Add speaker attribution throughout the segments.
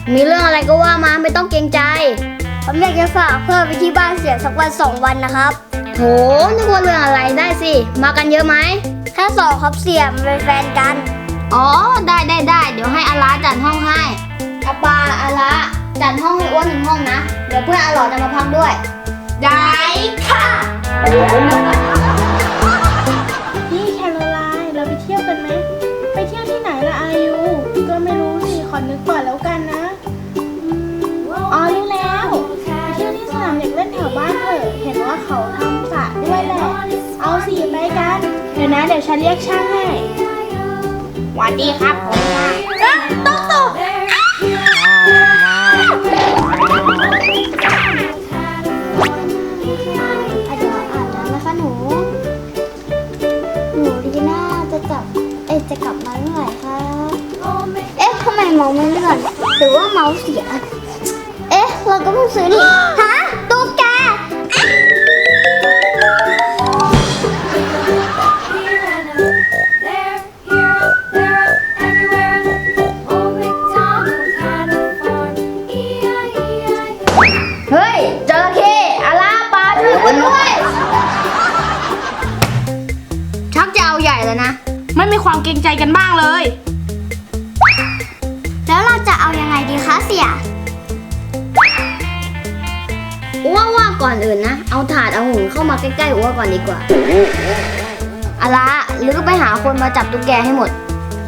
Speaker 1: มีเรื่องอะไรก็ว่ามาไม่ต้องเกรงใจ
Speaker 2: ผมอยากจะฝากเพื่อนไปที่บ้านเสียสักวัน2 วันนะครับ
Speaker 1: โถนึกว่าเรื่องอะไรได้สิมากันเยอะไหม
Speaker 2: แค่2ครับเสียมันเป็นแฟนกัน
Speaker 1: อ๋อได้เดี๋ยวให้อาราจัดห้องให้อาปาอาราจัดห้องให้อ้วน1 ห้องนะเดี๋ยวเพื่อนอาหลอจะมาพักด้วยได้ค่ะ
Speaker 3: นี่แคโรไลน์เราไปเที่ยวกันไหมไปเที่ยวที่ไหนล่ะอายุก็ไม่รู้สิขอนึกก่อนแล้วกันนะอ๋อรู้แล้วไปเที่ยวที่สนามเด็กเล่นแถวบ้านเถอะเห็นว่าเขาทำสระด้วยแหละเอาสิไปกันเดี๋ยวนะเดี๋ยวฉันเรียกช่างให้สวัสดีครับผมค่ะตก
Speaker 2: เดี๋ยวอาบน้ำนะคะหนูดีน่าจะกลับมาเมื่อไหร่คะทำไมเมาส์ไม่เลื่อนหรือว่าเมาส์เสีย เราก็เพิ่งซื้อนี่ฮะตุ๊กแก
Speaker 1: เฮ้ยจระเข้อาราปาช่วยอ้วนด้วยชักจะเอาใหญ่แล้วนะ
Speaker 3: ไม่มีความเกรงใจกันบ้างเลย
Speaker 2: แล้วเราจะเอายังไงดีคะเสีย
Speaker 1: อ้วว่าก่อนอื่นนะเอาถาดเอาหุ่นเข้ามาใกล้ๆอ้วก่อนดีกว่าอาราหรือไปหาคนมาจับตุ๊กแกให้หมด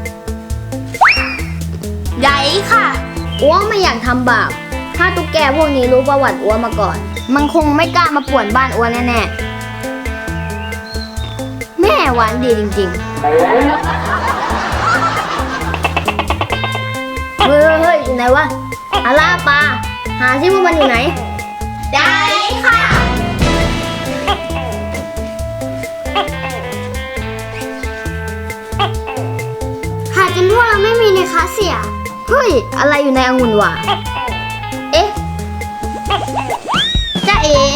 Speaker 3: ใหญ่ค่ะ
Speaker 1: อ้วไม่อยากทำบาปถ้าตุ๊กแกพวกนี้รู้ประวัติอ้วมาก่อน มันคงไม่กล้ามาป่วนบ้านอ้วแน่ๆแม่หวานดีจริงๆเฮ้ยอยู่ไหนวะอาราปาหาซิว่ามันอยู่ไหนได้ค่ะ
Speaker 2: หาจนพวกเราไม่มีในคะเสีย
Speaker 1: เฮ้ยอะไรอยู่ในองุ่นวะเอ๊ะจ๊ะเอ๋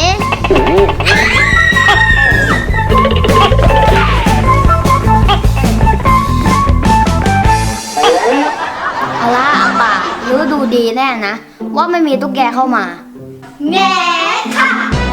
Speaker 1: อาราอาปาหรือดูดีแน่นะว่าไม่มีตุ๊กแกเข้ามาแง่ค่ะ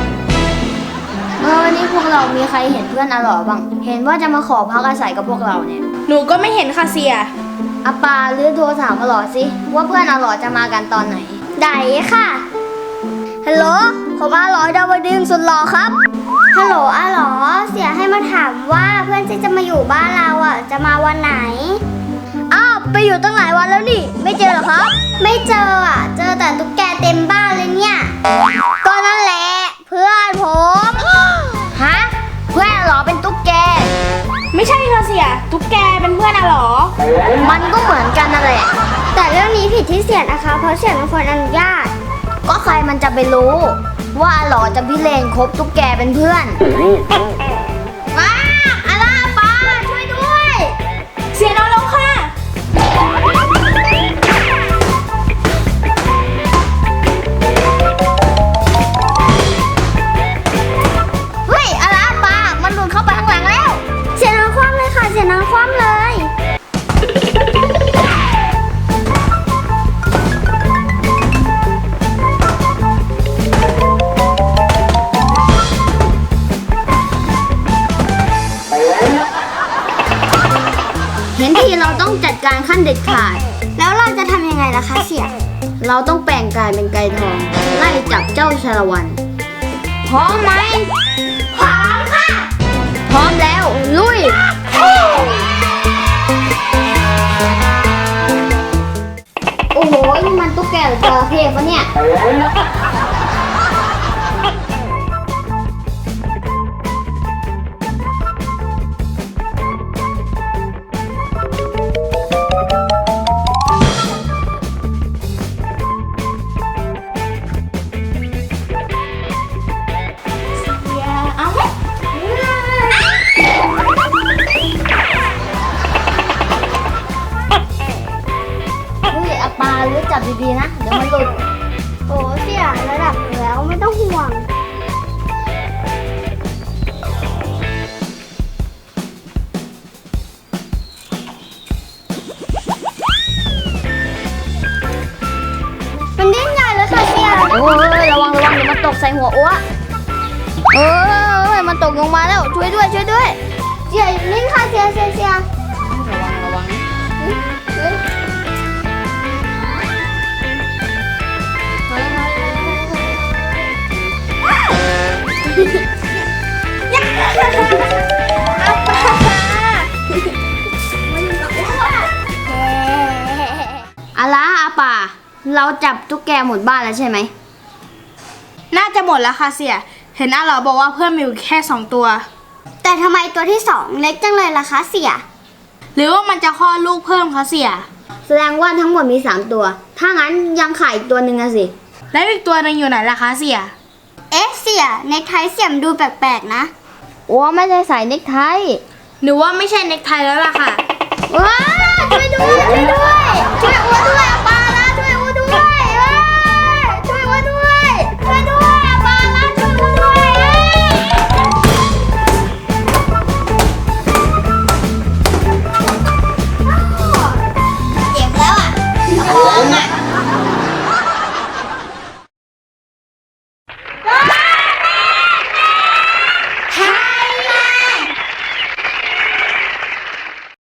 Speaker 1: นี่พวกเรามีใครเห็นเพื่อนอาหลอบ้างเห็นว่าจะมาขอพักอาศัยกับพวกเราเนี่ย
Speaker 3: หนูก็ไม่เห็นค่ะเสีย
Speaker 1: อาปาหรือโทรถามอาหลอสิว่าเพื่อนอาหลอจะมากันตอนไหน
Speaker 2: ได้ค่ะ ฮัลโหล ผมอาหลอดาวดึงสุดหล่อครับ ฮัลโหลอาหลอ เสียให้มาถามว่าเพื่อนที่จะมาอยู่บ้านเราจะมาวันไหน อ้าว ไปอยู่ตั้งหลายวันแล้วนี่ ไม่เจอเหรอครับ ไม่เจอเจอแต่ตุ๊กแกเต็มบ้านเลยเนี่ย ก็นั่นแหละ เพื่อนผม
Speaker 1: ฮะเพื่อนอาหลอเป็นตุ๊กแก
Speaker 3: ไม่ใช่ค่ะเสียตุ๊กแกเป็นเพื่อนอะเหรอ
Speaker 1: มันก็เหมือนกันนั่นแหละ
Speaker 2: แต่เรื่องนี้ผิดที่เสียนะคะ เพราะเสียเป็นคนอนุญาต
Speaker 1: ก็ใครมันจะไปรู้ ว่าอาหลอจะพิเรนคบตุ๊กแกเป็นเพื่อนว้าอาราปาช่วยด้วย
Speaker 3: เสียน้องลงค่ะ
Speaker 1: เฮ้ยอาราปามันหลุดเข้าไปข้างหลังแล้ว
Speaker 2: เสียน้องคว่ำเลยค่ะ เสียน้องคว่ำเลย
Speaker 1: เห็นทีเราต้องจัดการขั้นเด็ดขาด
Speaker 2: แล้วเราจะทำยังไงล่ะคะเสีย
Speaker 1: เราต้องแปลงกายเป็นไก่ทอง ไล่จับเจ้าชาละวันพร้อมไหมพร้อมค่ะ พร้อมแล้วลุย โอ้โหนี่มันตุ๊กแกหรือจระเข้ปะเนี่ย
Speaker 3: เอาไหม
Speaker 1: เฮ้ยอาปาหรือจับดีๆนะ เดี๋ยวมันหลุด
Speaker 2: โอ้เสียระดับ
Speaker 1: ใส่หัวอ้วมันตกลงมาแล้ว ช่วยด้วย
Speaker 2: เสียนิ่งค่ะเสีย
Speaker 1: ระวังอาล่ะอาป่า เราจับตุ๊กแกหมดบ้านแล้วใช่ไหม
Speaker 3: น่าจะหมดแล้วค่ะเสีย เห็นอาหลอบอกว่าเพื่อนมีอยู่แค่2 ตัว
Speaker 2: แต่ทำไมตัวที่ 2 เล็กจังเลยล่ะคะเสีย
Speaker 3: หรือว่ามันจะคลอดลูกเพิ่มคะเสีย
Speaker 1: แสดงว่าทั้งหมดมี3ตัว ถ้างั้นยังขายอีกตัวหนึ่งอะสิ
Speaker 3: แล้วอีกตัวหนึงอยู่ไหนล่ะคะเสีย
Speaker 2: เอ๊ะเสียเน็กไทเสียมดูแปลกๆนะ
Speaker 1: อ้วไม่ได้ใส่เน็กไท
Speaker 3: หรือว่าไม่ใช่เน็กไทแล้วล่ะค่ะ
Speaker 1: ว้าช่วยด้วย